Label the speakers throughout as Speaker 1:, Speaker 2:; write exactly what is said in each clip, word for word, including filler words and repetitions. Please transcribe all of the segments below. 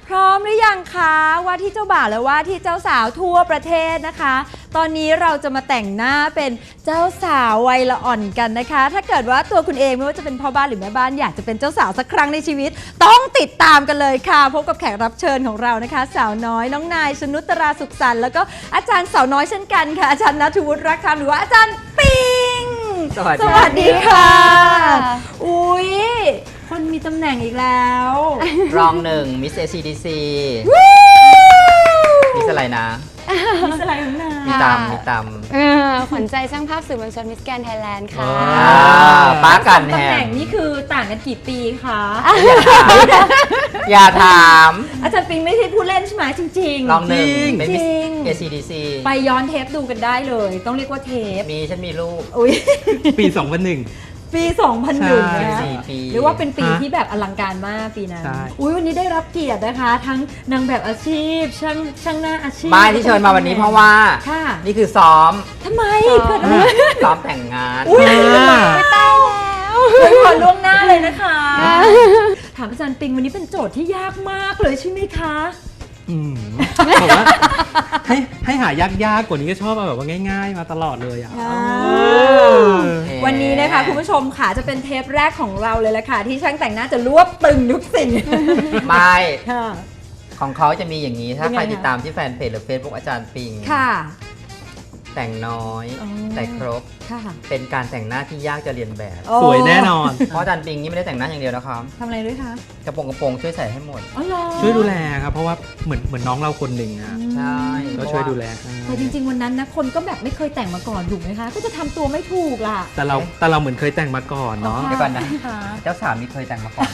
Speaker 1: พร้อมหรือยังคะว่าที่เจ้าบ่าวและว่าที่เจ้าสาวทั่วประเทศนะคะ ตอนนี้เราจะมาแต่งหน้าเป็นเจ้าสาววัยละอ่อนกันนะคะ ถ้าเกิดว่าตัวคุณเองไม่ว่าจะเป็นพ่อบ้านหรือแม่บ้านอยากจะเป็นเจ้าสาวสักครั้งในชีวิตต้องติดตามกันเลยค่ะพบกับแขกรับเชิญของเรานะคะสาวน้อยน้องนายชนุตราสุขสันต์แล้วก็อาจารย์สาวน้อยเช่นกันค่ะอาจารย์ณัฐวุฒิรักคำหรือว่าอาจารย์ปิง
Speaker 2: สวัสดี
Speaker 1: สวัสดีค่ะอุ้ยคนมีตำแหน่งอีกแล้ว
Speaker 2: รองหนึ่งมิสเอซีดีซีมิสอะไรนะ
Speaker 1: มิสอะไรของนาย
Speaker 2: มีตำมีตำ
Speaker 3: ขวัญใจช่างภาพสื่อมวลชนมิสแกรนด์ไทยแลนด์ค่ะ
Speaker 2: ป้ากันแฮ
Speaker 1: ตำแหน่
Speaker 2: ม
Speaker 1: งนี่คือต่างกันกี่ปีคะ
Speaker 2: อย่าถาม
Speaker 1: อาจารย์ปิงไม่ใช่ผู้เล่นใช่ไหมจริงๆ
Speaker 2: รองหนึ่งเป็นมิส
Speaker 1: จริง
Speaker 2: เอซีดีซี
Speaker 1: ไปย้อนเทปดูกันได้เลย ต้องเรียกว่าเทป
Speaker 2: มีฉันมีลูก
Speaker 1: อุ้ย
Speaker 4: ปี สองพันหนึ่ง
Speaker 1: ปี สองพันหนึ่ง
Speaker 4: ใช่
Speaker 1: นะ
Speaker 2: สี่ปี
Speaker 1: หรือว่าเป็นปี
Speaker 4: ฮะ
Speaker 1: ที่แบบอลังการมากปีนั้น
Speaker 4: ใช่
Speaker 1: อุ้ยวันนี้ได้รับเกียรตินะคะ ทั้งนางแบบอาชีพ ช่างช่างหน้าอาชีพ
Speaker 2: ไม่ที่เชิญมาวันนี้เพราะว่า
Speaker 1: ค่ะ
Speaker 2: นี่คือซ้อม
Speaker 1: ทำไมเกิดอะไร
Speaker 2: ซ้อมแต่งงาน
Speaker 1: อุ้ย
Speaker 4: อ่า
Speaker 1: ไม่ต้องแล้วขอล่วงหน้าเลยนะคะ ถามอาจารย์ปิงวันนี้เป็นโจทย์ที่ยากมากเลยใช่ไหมคะ
Speaker 4: อืมบอกว่าให้ให้หายากๆกว่านี้ก็ชอบเอาแบบว่าง่าย ๆ มาตลอดเลยอ่ะ
Speaker 1: อ่า
Speaker 4: เออ
Speaker 1: วันนี้นะคะคุณผู้ชมค่ะจะเป็นเทปแรกของเราเลยละค่ะที่ช่างแต่งหน้าจะรวบตึงทุกสิ่ง
Speaker 2: ไม่
Speaker 1: ค่ะ
Speaker 2: ของเขาจะมีอย่างนี้ถ้า
Speaker 1: ยังไง
Speaker 2: ใคร
Speaker 1: คะ
Speaker 2: ติดตามที่แฟนเพจหรือเฟซบุ๊กอาจารย์ปิง
Speaker 1: ค่ะ
Speaker 2: แต่งน้อย
Speaker 1: อ๋อ
Speaker 2: แต่ครบ
Speaker 1: ค่ะ
Speaker 2: เป็นการแต่งหน้าที่ยากจะเรียนแบบ
Speaker 4: สวยแน่นอน
Speaker 2: เพราะอาจารย์ปิงนี่ไม่ได้แต่งหน้าอย่างเดียวนะครับ
Speaker 1: ทำอะไรด้วยคะ
Speaker 2: กระโปรงกระโปรงช่วยใส่ให้หมด
Speaker 1: อ๋อเหรอ
Speaker 4: ช่วยดูแลครับ เพราะว่าเหมือนเหมือนน้องเราคนหนึ่งอ่ะ
Speaker 2: ใช่
Speaker 4: ก็ช่วยดูแลให้
Speaker 1: แต่จริงๆวันนั้นนะคนก็แบบไม่เคยแต่งมาก่อนถูกไหมคะ ก็จะทำตัวไม่ถูกล่ะ
Speaker 4: แต่เราแต่เราเหมือนเคยแต่งมาก่อนเนาะ
Speaker 2: เดี๋ยวก่อนนะ
Speaker 1: ค่ะ
Speaker 2: เจ้าสาวมีเคยแต่งมาก่อน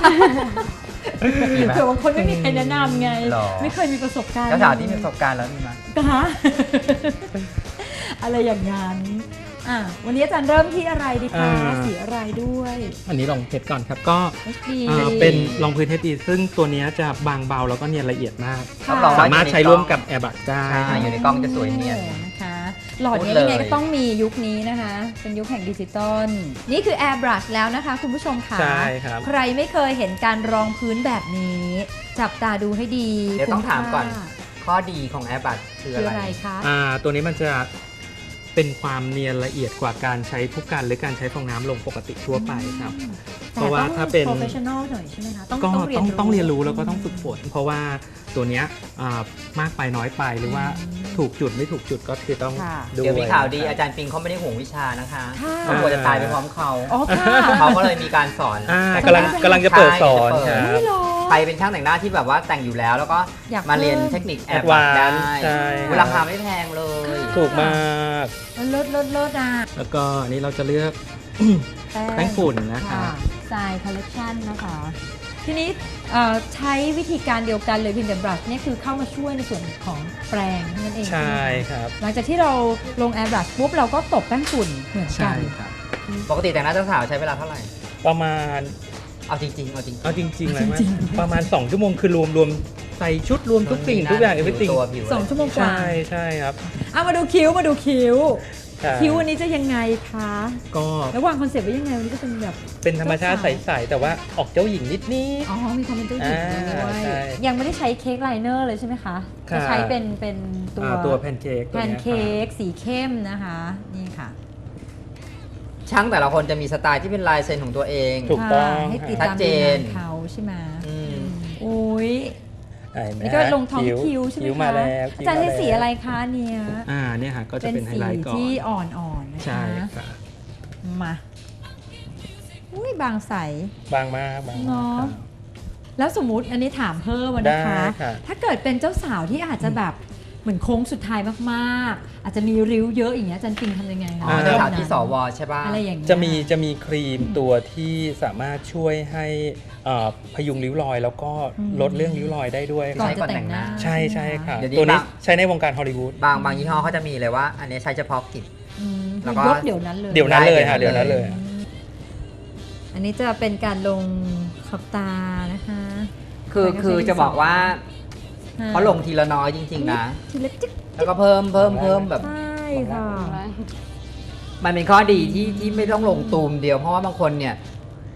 Speaker 2: มีไหม
Speaker 1: เผื่อบางคนไม่มีใครแนะนำไง
Speaker 2: หรอ
Speaker 1: ไม่เคยมีประสบการณ์
Speaker 2: เจ้าสาวที่มีประสบการณ์แล้วมีไหม
Speaker 1: คะ อะไรอย่างนั้นอ่ะวันนี้อาจารย์เริ่มที่อะไรดีคะสีอะไรด้วย
Speaker 4: อันนี้ลองเพชรก่อนครับ ก็
Speaker 1: เอช ดี
Speaker 4: อ่าเป็นรองพื้นเทสดีซึ่งตัวเนี้ยจะบางเบาแล้วก็เนียนละเอียดมาก
Speaker 1: ค่ะ
Speaker 2: รับองว่
Speaker 4: สามารถใช้ร่วมกับแอร์บักได้
Speaker 2: ใช่อยู่ในกล้องจะสวยเนียน
Speaker 1: นะคะ หลอดนี้
Speaker 2: พูดเลย
Speaker 1: ยังไงก็ต้องมียุคนี้นะคะ เป็นยุคแห่งดิจิตอลนี่คือ Airbrush แล้วนะคะคุณผู้ชมค่ะ
Speaker 4: ใช่ครับ
Speaker 1: ใครไม่เคยเห็นการรองพื้นแบบนี้ จับตาดูให้ดี
Speaker 2: เดี๋ยวต้องถามก่อน
Speaker 1: คุ้ค่
Speaker 2: ข้อดีของแอร์บัตคือ
Speaker 1: คือ
Speaker 2: อะ
Speaker 1: อะไร ไรคะ
Speaker 4: อ่าตัวนี้มันจะเป็นความเนียนละเอียดกว่าการใช้ผู้กันหรือการใช้ฟองน้ำลงปกติทั่วไปครับ เพราะว่าถ้าเป็น
Speaker 1: โปรเฟชชั่นอลหน่อยใช่ไหมคะต้อง
Speaker 4: ก็
Speaker 1: ต้องเรีย
Speaker 4: ต้
Speaker 1: น
Speaker 4: อง
Speaker 1: รู้
Speaker 4: ต้องเรียนรู้แล้วก็ต้องฝึกฝน เพราะว่าตัวเนี้ยอ่ามากไปน้อยไปหรือว่าถูกจุดไม่ถูกจุดก็คือต้อง
Speaker 1: ค่ะ
Speaker 4: ดู
Speaker 2: เดี๋ยวมีข่าวดีอาจารย์ปิงเขาไม่ได้ห่วงวิชานะคะ
Speaker 1: ค่ะ
Speaker 2: เขากลัวจะตายไปพร้อมเขา
Speaker 1: อ๋อค่ะ
Speaker 2: เขาก็เลยมีการสอน
Speaker 4: อ่า
Speaker 2: แต่
Speaker 4: กำลังกำลังจะเปิดสอน
Speaker 2: ใช่
Speaker 4: ค
Speaker 2: จะ
Speaker 4: รั
Speaker 2: เปิ
Speaker 4: บ
Speaker 1: ไม่หรอ
Speaker 2: ใครเป็นช่างแต่งหน้าที่แบบว่าแต่งอยู่แล้ว แล้วก็
Speaker 1: อยาก
Speaker 2: มาเรียน
Speaker 1: เพิ่ม
Speaker 2: เทคนิคแอ
Speaker 4: แอ
Speaker 2: ร์
Speaker 4: ด
Speaker 2: บั
Speaker 4: วา
Speaker 2: ตได้
Speaker 4: นซ์ใช่
Speaker 2: ราคาไม่แพงเลย
Speaker 4: ถูกมาก
Speaker 1: เลิศเลิศเลิศอ่ะ
Speaker 4: แล้วก็อันนี้เราจะเลือก แป้งฝุ่นนะคะ
Speaker 1: ทรายคอลเลคชันนะคะ ทีนี้เอ่อใช้วิธีการเดียวกันเลยเพียงแต่บรัชเนี่ยคือเข้ามาช่วยในส่วนของแปรงนั่นเอง
Speaker 4: ใช่
Speaker 1: ไหมะ
Speaker 4: ครับ
Speaker 1: หลังจากที่เราลงแอร์บรัชปุ๊บเราก็ตบแป้งฝุ่นเหมือนกั
Speaker 4: ใช่
Speaker 1: น
Speaker 4: ครับ
Speaker 2: ปกติแต่งหน้าเจ้าสาวใช้เวลาเท่าไหร่
Speaker 4: ประมาณ
Speaker 2: เอาจริงๆ เอาจริงๆ
Speaker 4: เอาจริงๆเลยไหมประมาณ สอง ชั่วโมงคือรวมรวมใส่ชุดรวมทุกสิ่งทุกอย่าง
Speaker 2: ผิว
Speaker 4: everything
Speaker 2: ตัวผิว
Speaker 1: สองชั่วโมงกว่า
Speaker 4: ใช่ใช่ครับ
Speaker 1: เอามาดูคิ้วมาดูคิ้ว
Speaker 4: ใช่
Speaker 1: คิ้ววันนี้จะยังไงคะ
Speaker 4: ก็
Speaker 1: แล้ววางคอนเซ็ปต์ไว้ยังไงวันนี้ก็เป็นแบบ
Speaker 4: เป็นธรรมชาติ
Speaker 1: เจ้าสาว
Speaker 4: ใสๆแต่ว่าออกเจ้าหญิงนิดนิด
Speaker 1: อ๋อมีความเป็นเจ้าหญิงด้ว
Speaker 4: อ่าย ใช่
Speaker 1: ยังไม่ได้ใช้เค้กไลเนอร์เลยใช่ไหมคะ
Speaker 4: ค่ะ
Speaker 1: จะใช้เป็นเป็นตัว
Speaker 4: ตัวแพนเค้ก
Speaker 1: แพนเค้กสีเข้มนะคะ นี่ค่ะ
Speaker 2: ช่างแต่ละคนจะมีสไตล์ที่เป็นลายเซ็นของตัวเอง
Speaker 4: ถูกต้อง
Speaker 1: ค่ะให้ติด
Speaker 2: ชัด
Speaker 1: ตาม
Speaker 2: เจ
Speaker 1: ดู
Speaker 2: น
Speaker 1: งานเขาใช่ไหม
Speaker 2: อืม
Speaker 1: อุ้ย
Speaker 4: อ่าเห็นไหม
Speaker 1: นี่ก็ลงท้องคิ้วใช่ไหม
Speaker 4: คิ้ว
Speaker 1: คะ
Speaker 4: มาแล้ว
Speaker 1: อาจารย์ใช้สีอะไรคะเนี่ย
Speaker 4: อ่าเนี่ยค่ะก็จะ
Speaker 1: เป็น
Speaker 4: เป็นไฮ
Speaker 1: สี
Speaker 4: ไลท์ก่อน
Speaker 1: ที่อ่อนๆนะคะ
Speaker 4: ใช่ค่ะ
Speaker 1: มาอุ้ยบางใส
Speaker 4: บางมากบางมาก
Speaker 1: เนาะ
Speaker 4: ครับ
Speaker 1: แล้วสมมุติอันนี้ถามเพิ่มอะนะคะ
Speaker 4: ได้ค่ะ
Speaker 1: ถ้าเกิดเป็นเจ้าสาวที่อาจจะแบบเหมือนโค้งสุดท้ายมากๆ อาจจะมีริ้วเยอะอย่างเงี้ยอาจารย์ปิงทำยังไงคะ
Speaker 2: อ๋อเจ้าสาวที่สวใช่ป่ะ
Speaker 1: อะไรอย่างเงี้ย
Speaker 4: จะมีจะมีครีมตัวที่สามารถช่วยให้เอ่อพยุงริ้วรอย แล้วก็ลดเรื่องริ้วรอยได้ด้วย
Speaker 1: ก่อน
Speaker 2: ใช้
Speaker 1: จะ
Speaker 2: ก่อน
Speaker 1: แต่
Speaker 2: แต่
Speaker 1: ง
Speaker 2: ง
Speaker 1: ห
Speaker 2: ห
Speaker 1: น้า
Speaker 2: น้า
Speaker 4: ใช่ใช่ค่ะ
Speaker 2: เดี๋ยวนี้
Speaker 4: ตัวนี้
Speaker 2: บาง
Speaker 4: ใช้ในวงการฮอลลีวูด
Speaker 2: บางบางยี่ห้อเขาจะมีเลยว่า อันนี้ใช้เฉพาะกลิ่น
Speaker 1: อืม
Speaker 2: แล้วก็
Speaker 1: ยกเดี๋ยวนั้นเลย
Speaker 4: เดี๋ยวนั้นเลย
Speaker 2: ได้
Speaker 4: ค่ะ
Speaker 2: เดี๋
Speaker 4: เดี๋
Speaker 2: ย
Speaker 4: ยว ว
Speaker 2: นั้
Speaker 4: นั้น น
Speaker 2: เล
Speaker 4: เลย ย
Speaker 1: อันนี้จะเป็นการลงขอบตานะคะ
Speaker 2: คือ
Speaker 1: ใช้
Speaker 2: คือ
Speaker 1: ดินสอ
Speaker 2: จะบอกว่า
Speaker 1: ค่ะ
Speaker 2: เขาลงทีละน้อยจริงๆนะ
Speaker 1: ทีละจิ๊ก
Speaker 2: แล้วก็เพิ่มเพิ่มเพิ่มแบบ
Speaker 1: ใช่ค่ะ
Speaker 2: มันเป็นข้อดีที่ที่ไม่ต้องลงตูมเดียว เพราะว่าบางคนเนี่ย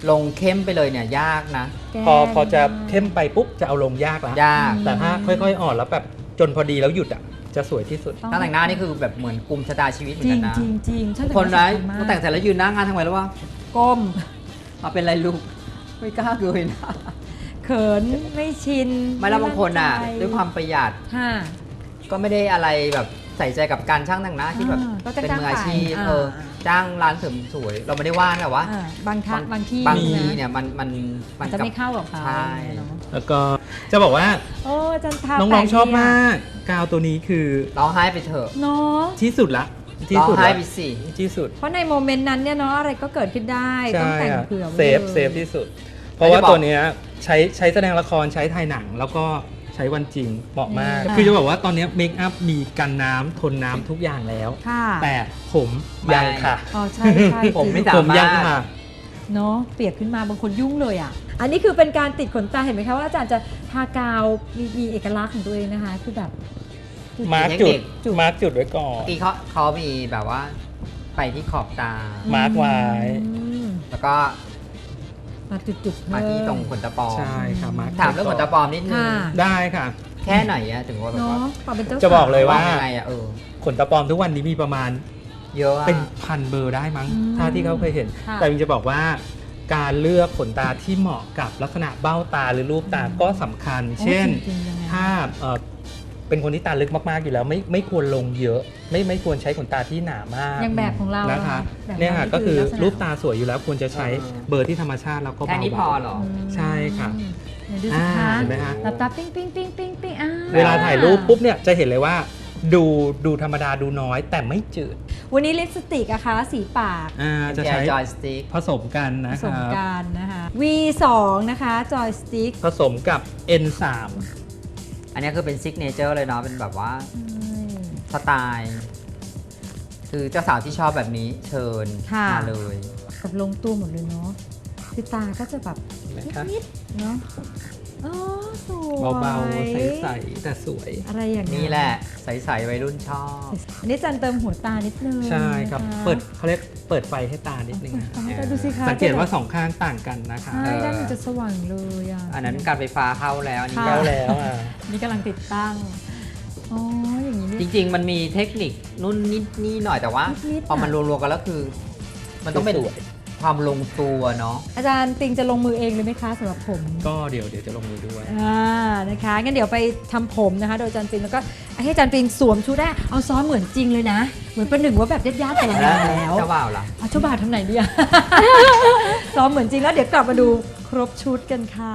Speaker 2: ลงเข้มไปเลยเนี่ยยากนะ
Speaker 4: พอพอจะเข้มไปปุ๊บจะเอาลงยากแล้ว
Speaker 2: ยาก
Speaker 4: แต่ถ้าค่อยๆอ่อนแล้วแบบจนพอดีแล้วหยุดอ่ะจะสวยที่สุด
Speaker 2: ช่างแต่งหน้านี่คือแบบเหมือนกุมชะตาชีวิตเหมื
Speaker 1: จ
Speaker 2: อน
Speaker 1: ริ
Speaker 2: กั
Speaker 1: ง
Speaker 2: นนะ
Speaker 1: จริงจริงช่าง
Speaker 2: คนร้าย
Speaker 1: มาก
Speaker 2: มาแต่งเสร็จแล้วยืนหน้างานทำไมแล้ววะ
Speaker 1: ก้ม
Speaker 2: มาเป็นไรลูกไม่กล้าเลยนะ
Speaker 1: เขินไม่ชิน
Speaker 2: ไม่แล้วบางคนอ่ะ
Speaker 1: มั่ใจ
Speaker 2: ด้วยความประหยัด
Speaker 1: ค่ะ
Speaker 2: ก็ไม่ได้อะไรแบบใส่ใจกับการช่างแต่งหน้าที่แบบ
Speaker 1: อ่าก็จะ
Speaker 2: เป็น
Speaker 1: จ้าง
Speaker 2: มืออาชีพ
Speaker 1: ไปอ่า
Speaker 2: เออจ้างร้านเสริมสวย เราไม่ได้ว่าแต่ว่า
Speaker 1: อ่าบางทักบางที่
Speaker 2: บางที
Speaker 1: ะ
Speaker 2: เนี่ยมันมันมั
Speaker 1: อาจ
Speaker 2: น
Speaker 1: จะ
Speaker 2: กับ
Speaker 1: ไม่เข้ากับเขา
Speaker 2: ใช่
Speaker 1: เนาะ
Speaker 4: แล้วก็จะบอกว่า
Speaker 1: โอ้อาจันทา
Speaker 4: น้องๆชอบมากกาวตัวนี้คือ
Speaker 2: ร้องไห้ไปเถอะ
Speaker 1: เนาะ
Speaker 4: ที่สุดละที่
Speaker 2: ร้อง
Speaker 4: สุด
Speaker 2: ไห้
Speaker 4: ละ
Speaker 2: ไปสิ
Speaker 4: ที่สุด
Speaker 1: เพราะในโมเมนต์นั้นเนี่ยเนาะอะไรก็เกิดขึ้นได้ต้อง
Speaker 4: ใช่
Speaker 1: แต่ง
Speaker 4: อะ
Speaker 1: เผื่อไว้
Speaker 4: เซฟ
Speaker 1: ลย
Speaker 4: เซฟที่สุด เพราะว่าตัวเนี้ยใช้ใช้แสดงละครใช้ถ่ายหนัง แล้วก็ใช้วันจริงเหมาะมาก
Speaker 1: ค่ะ
Speaker 4: คือจะบอกว่าตอนเนี้เมคอัพมีกันน้ำทนน้ำทุกอย่างแล้ว
Speaker 1: ค่ะ
Speaker 4: แต่ผมยังค่ะ
Speaker 1: อ๋อใช่ใช่
Speaker 2: ผมไม่
Speaker 1: จริง
Speaker 2: สา
Speaker 4: ผม
Speaker 2: มาร
Speaker 4: ยัง
Speaker 2: ถ
Speaker 4: ค่ะ
Speaker 1: เนาะเปียกขึ้นมาบางคนยุ่งเลยอ่ะ อันนี้คือเป็นการติดขนตาเห็นไหมคะว่าอาจารย์จะทากาวมีมีเอกลักษณ์ของตัวเองนะคะ คือแบบ
Speaker 4: มาร์ก
Speaker 2: เทค
Speaker 4: จุ
Speaker 2: นิ
Speaker 4: ด
Speaker 2: ค
Speaker 4: มาร์กจุดไว้ก่อน
Speaker 2: เมื่อกี้เขาเขามีแบบว่า ไปที่ขอบตา
Speaker 4: มาร์กไว้
Speaker 1: อืม
Speaker 2: แล้วก็
Speaker 1: มาจุดๆเพิ่
Speaker 2: มาที่ตรงขนตาปลอม
Speaker 4: ใช่ค่ะมาร์ก
Speaker 2: ถามเรื่องขนตาปลอมนิดนึง
Speaker 1: ค่ะ
Speaker 4: ได้ค่ะ
Speaker 2: แค่ไหนอะถึงว่าแบบ
Speaker 1: เนาะ
Speaker 2: ว่า
Speaker 1: ความเป็นเจ้า
Speaker 4: จะบอกเลย ว่า
Speaker 2: ว่ายังไงอะเออ
Speaker 4: ขนตาปลอมทุกวันนี้มีประมาณ
Speaker 2: เยอะอะ
Speaker 4: เป็นพันเบอร์ได้มั้ง
Speaker 1: อืม
Speaker 4: ถ้าที่เขาเคยเห็น
Speaker 1: ค่ะ
Speaker 4: แต่จริงจะบอกว่า การเลือกขนตาที่เหมาะกับลักษณะเบ้าตาหรือรูปตาก็สำคัญ
Speaker 1: โอ้
Speaker 4: เช่น
Speaker 1: จริงๆยังไง
Speaker 4: ถ้าเอ่อเป็นคนที่ตาลึกมากๆอยู่แล้วไม่ไม่ควรลงเยอะ ไม่ไม่ควรใช้ขนตาที่หนามาก
Speaker 1: อย่างแบบของเรา
Speaker 4: นะคะ
Speaker 1: แบบ
Speaker 4: เนี่ยค่ะ
Speaker 1: รา
Speaker 4: ก็คือ
Speaker 1: ลัษณะ
Speaker 4: รูปตาสวยอยู่แล้วควรจะใช้เบอร์ที่ธรรมชาติแล้วก็
Speaker 2: แค่
Speaker 4: เบา
Speaker 2: นี้พอเหรอ
Speaker 1: อืม
Speaker 4: ใช่ค่ะ
Speaker 1: ไหนดูสิ
Speaker 4: อ่า
Speaker 1: คะ
Speaker 4: เห็นไหมคะ
Speaker 1: หลับตาปิ้งปิ้งปิ้งปิ้งปิ้งอ่า
Speaker 4: เวลาถ่ายรูปปุ๊บเนี่ยจะเห็นเลยว่า ดูดูธรรมดาดูน้อยแต่ไม่จืด
Speaker 1: วันนี้ลิปสติกอะคะสีปาก
Speaker 4: อ่าจะ
Speaker 2: จะ
Speaker 4: ใช้
Speaker 2: ใช้จอยสติ๊ก
Speaker 4: ผสมกัน
Speaker 1: ผ
Speaker 4: นะ
Speaker 1: ส
Speaker 4: ค
Speaker 1: ม
Speaker 4: รับ
Speaker 1: กันนะคะ วี สอง นะคะจอยสติ๊ก
Speaker 4: ผสมกับ เอ็น สาม
Speaker 2: อันนี้คือเป็นซิกเนเจอร์เลยเนาะเป็นแบบว่าสไตล์ คือเจ้าสาวที่ชอบแบบนี้เชิญ
Speaker 1: ค่ะ
Speaker 2: มาเลย
Speaker 1: กับลงตัวหมดเลยเนาะคือตาก็จะแบบ
Speaker 4: นะคะ
Speaker 1: นิดๆเนาะอ๋อสวย
Speaker 4: เบาๆใสๆแต่สวย
Speaker 1: อะไรอย่าง
Speaker 2: นี่แหละใสๆวัยรุ่นชอบ
Speaker 1: อันนี้จันเติมหัวตานิดนึง
Speaker 4: ใช่ครับ
Speaker 1: นะะ
Speaker 4: เปิดเขาเรียกเปิดไฟให้ตานิดนึงนะ
Speaker 1: เปิดไฟให้ตาดูสิคะ
Speaker 4: สังเกตว่าสองข้างต่างกันนะคะ
Speaker 1: ใช่ด้านมันจะสว่างเลยอ่ะ
Speaker 2: อันนั้นการไฟฟ้าเข้าแล้วอันนี้
Speaker 1: ค่ะ
Speaker 4: แล้วแล้วอ่ะ
Speaker 1: นี่กำลังติดตั้งอ๋ออย่างนี้
Speaker 2: จ
Speaker 1: นี่
Speaker 2: ริง ๆ มันมีเทคนิคนู่นนิดนี่หน่อยแต่ว่า
Speaker 1: นิดๆ
Speaker 2: พอมัน
Speaker 1: อะ
Speaker 2: รวมๆกันแล้วคือ มันต้องเป็น
Speaker 4: สวย
Speaker 2: ความลงตัวเนาะ
Speaker 1: อาจารย์ปิงจะลงมือเองเลยไหมคะสำหรับผม
Speaker 4: ก็เดี๋ยวเดี๋ยวจะลงมือด้วย
Speaker 1: อ่านะคะงั้นเดี๋ยวไปทำผมนะคะ โดยอาจารย์ปิงแล้วก็ให้อาจารย์ปิงสวมชุดแรกเอาซ้อมเหมือนจริงเลยนะ เหมือนประหนึ่งว่าแบบญาติๆแต่ละงานแล้ว
Speaker 2: เจ้าบ่าวล่ะ
Speaker 1: เอาเจ้าบ่าวทำไหนดีอะ ซ้อมเหมือนจริงแล้วเดี๋ยวกลับมาดูครบชุดกันค่ะ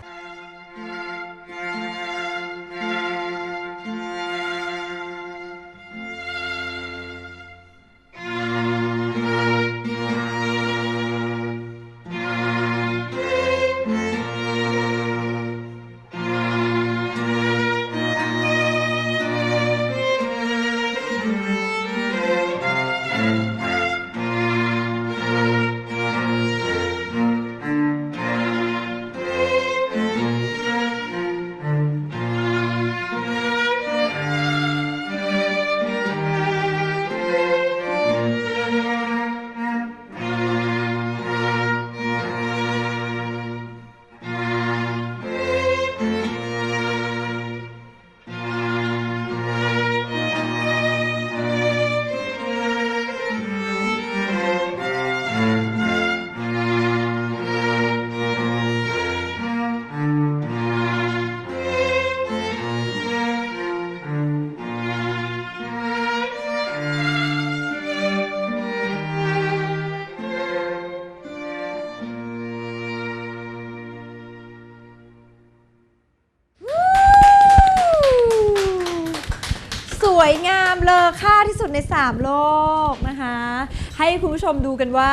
Speaker 1: สวยงามเลอค่าที่สุดในสามโลกนะคะ ให้คุณผู้ชมดูกันว่า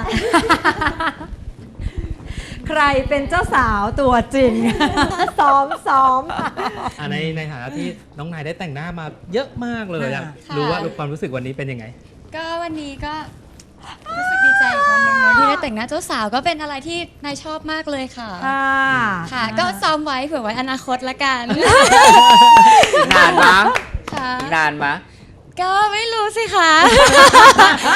Speaker 1: ใครเป็นเจ้าสาวตัวจริง ซ้อมซ้อม
Speaker 4: อ่ะในในฐานะที่น้องนายได้แต่งหน้ามาเยอะมากเลยอะ
Speaker 3: ค่ะ
Speaker 4: รู้ว่าความรู้สึกวันนี้เป็นยังไง
Speaker 3: ก็วันนี้ก็รู้สึกดีใจอีกวันหนึ่งเนอะที่ได้แต่งหน้าเจ้าสาวก็เป็นอะไรที่นายชอบมากเลยค่ะ
Speaker 1: ค่ะ
Speaker 3: ค่ะ ก็ซ้อมไว้เผื่อไว้อนาคตละกัน
Speaker 2: อีกนานมั้ง
Speaker 3: ค่ะ
Speaker 2: อีกนานมั้ง
Speaker 3: ก็ไม่รู้สิคะ
Speaker 1: อ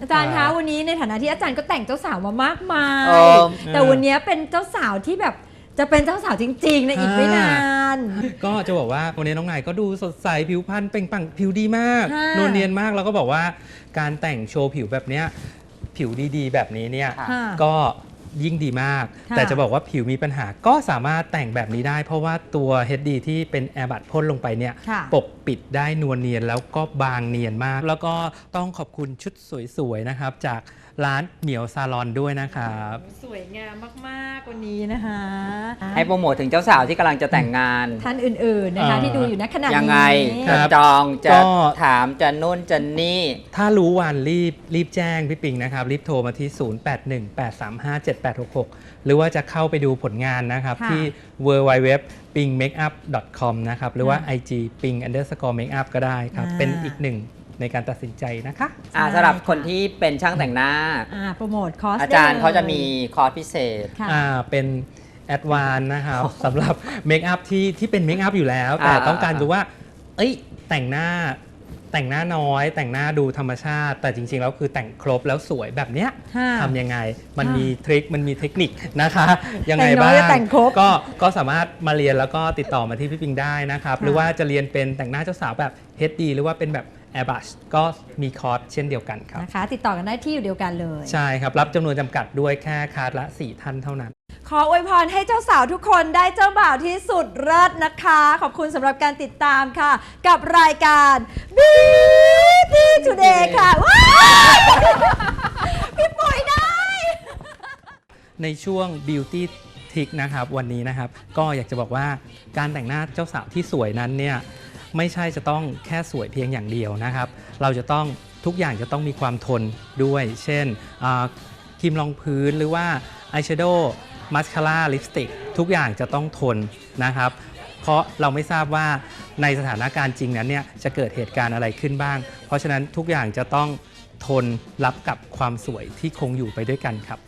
Speaker 1: อาจารย์
Speaker 4: ครั
Speaker 1: คะ
Speaker 4: บ
Speaker 1: วันนี้ในฐานะที่อาจารย์ก็แต่งเจ้าสาวมามากมาย
Speaker 2: เออ
Speaker 1: แต่วันนี้เป็นเจ้าสาวที่แบบจะเป็นเจ้าสาวจริงๆในอีกไม่นาน
Speaker 4: ก็จะบอกว่าวันนี้น้องนายก็ดูสดใสผิวพรรณเปล่งปลั่งผิวดีมาก
Speaker 1: ค่ะ
Speaker 4: นวลเนียนมากแล้วก็บอกว่าการแต่งโชว์ผิวแบบเนี้ยผิวดีๆ แบบนี้เนี่ย
Speaker 2: ค่ะ
Speaker 1: ค่ะ
Speaker 4: ก็ยิ่งดีมาก
Speaker 1: ค่ะ
Speaker 4: แต่จะบอกว่าผิวมีปัญหาก็สามารถแต่งแบบนี้ได้ เพราะว่าตัว เอช ดี ที่เป็นแอร์บัดพ่นลงไปเนี่ย
Speaker 1: ค่ะ
Speaker 4: ปกปิดได้นวลเนียนแล้วก็บางเนียนมาก แล้วก็ต้องขอบคุณชุดสวยๆนะครับจากร้านเหมียวซาลอนด้วยนะครับ
Speaker 1: สวยงามมากๆวันนี้นะคะ
Speaker 2: ให้โปรโมทถึงเจ้าสาวที่กำลังจะแต่งงาน
Speaker 1: ท่านอื่นๆนะคะ
Speaker 4: อ่า
Speaker 1: ที่ดูอยู่ณขณะนี้
Speaker 2: ยังไง
Speaker 4: ครั
Speaker 2: จะ
Speaker 4: บ
Speaker 2: จองจะ
Speaker 4: ก็
Speaker 2: ถามจะนู่นจะนี่
Speaker 4: ถ้ารู้วันรีบรีบแจ้งพี่ปิงนะครับ รีบโทรมาที่ ศูนย์ แปด หนึ่ง แปด สาม ห้า เจ็ด แปด หก หก หรือว่าจะเข้าไปดูผลงานนะครับ
Speaker 1: ค่ะ
Speaker 4: ที่ ดับเบิลยู ดับเบิลยู ดับเบิลยู ดอท ปิงเมคอัพ ดอท คอม นะครับ หรือว่า
Speaker 1: ค่ะ
Speaker 4: ไอ จี ปิง อันเดอร์สกอร์ เมคอัพ ก็ได้ครับ
Speaker 1: อ่า
Speaker 4: เป็นอีกหนึ่งในการตัดสินใจนะคะ
Speaker 2: อ่า
Speaker 1: ใช่
Speaker 2: สำหรับคน
Speaker 1: ค่ะ
Speaker 2: ที่เป็นช่างแต่งหน้า
Speaker 1: อ่าโปรโมทคอร์ส
Speaker 2: อาจารย์
Speaker 1: ได้ล
Speaker 2: เขาจะมีคอร์สพิเศษ
Speaker 1: ค่ะ
Speaker 4: อ่าเป็นแอดวานนะครับ สำหรับเมคอัพที่ที่เป็นเมคอัพอยู่แล้ว แต่
Speaker 2: อ่า
Speaker 4: ต้องการดูว่า เอ้ย แต่งหน้าแต่งหน้าน้อย แต่งหน้าดูธรรมชาติ แต่จริงๆแล้วคือแต่งครบแล้วสวยแบบเนี้ย
Speaker 1: ค่ะ
Speaker 4: ทำยังไง มัน
Speaker 1: ค่ะ
Speaker 4: มีทริค มันมีเทคนิคนะคะ ยังไง
Speaker 1: แต่งน้
Speaker 4: บ้า
Speaker 1: อย
Speaker 4: ง
Speaker 1: แต่งครบ
Speaker 4: ก็ก็สามารถมาเรียนแล้วก็ติดต่อมาที่พี่ปิงได้นะครับ
Speaker 1: ค่ะ
Speaker 4: หรือว่าจะเรียนเป็นแต่งหน้าเจ้าสาวแบบ เอช ดี หรือว่าเป็นแบบ Airbrush ก็มีคอร์สเช่นเดียวกันครับ
Speaker 1: นะคะ ติดต่อกันได้ที่อยู่เดียวกันเลย
Speaker 4: ใช่ครับ รับจำนวนจำกัดด้วยแค่คลาสละ สี่ ท่านเท่านั้น
Speaker 1: ขออวยพรให้เจ้าสาวทุกคนได้เจ้าบ่าวที่สุดเลิศนะคะ ขอบคุณสำหรับการติดตามค่ะ กับรายการ Beauty Today ค่ะว้ายพี่ปุ๋ยได้
Speaker 4: ในช่วง Beauty Tick นะครับวันนี้นะครับ ก็อยากจะบอกว่าการแต่งหน้าเจ้าสาวที่สวยนั้นเนี่ยไม่ใช่จะต้องแค่สวยเพียงอย่างเดียวนะครับ เราจะต้องทุกอย่างจะต้องมีความทนด้วย เช่นอ่าครีมรองพื้นหรือว่าอายแชโดว์มัสคาร่าลิปสติกทุกอย่างจะต้องทนนะครับ เพราะเราไม่ทราบว่าในสถานการณ์จริงนั้นเนี่ยจะเกิดเหตุการณ์อะไรขึ้นบ้าง เพราะฉะนั้นทุกอย่างจะต้องทนรับกับความสวยที่คงอยู่ไปด้วยกันครับ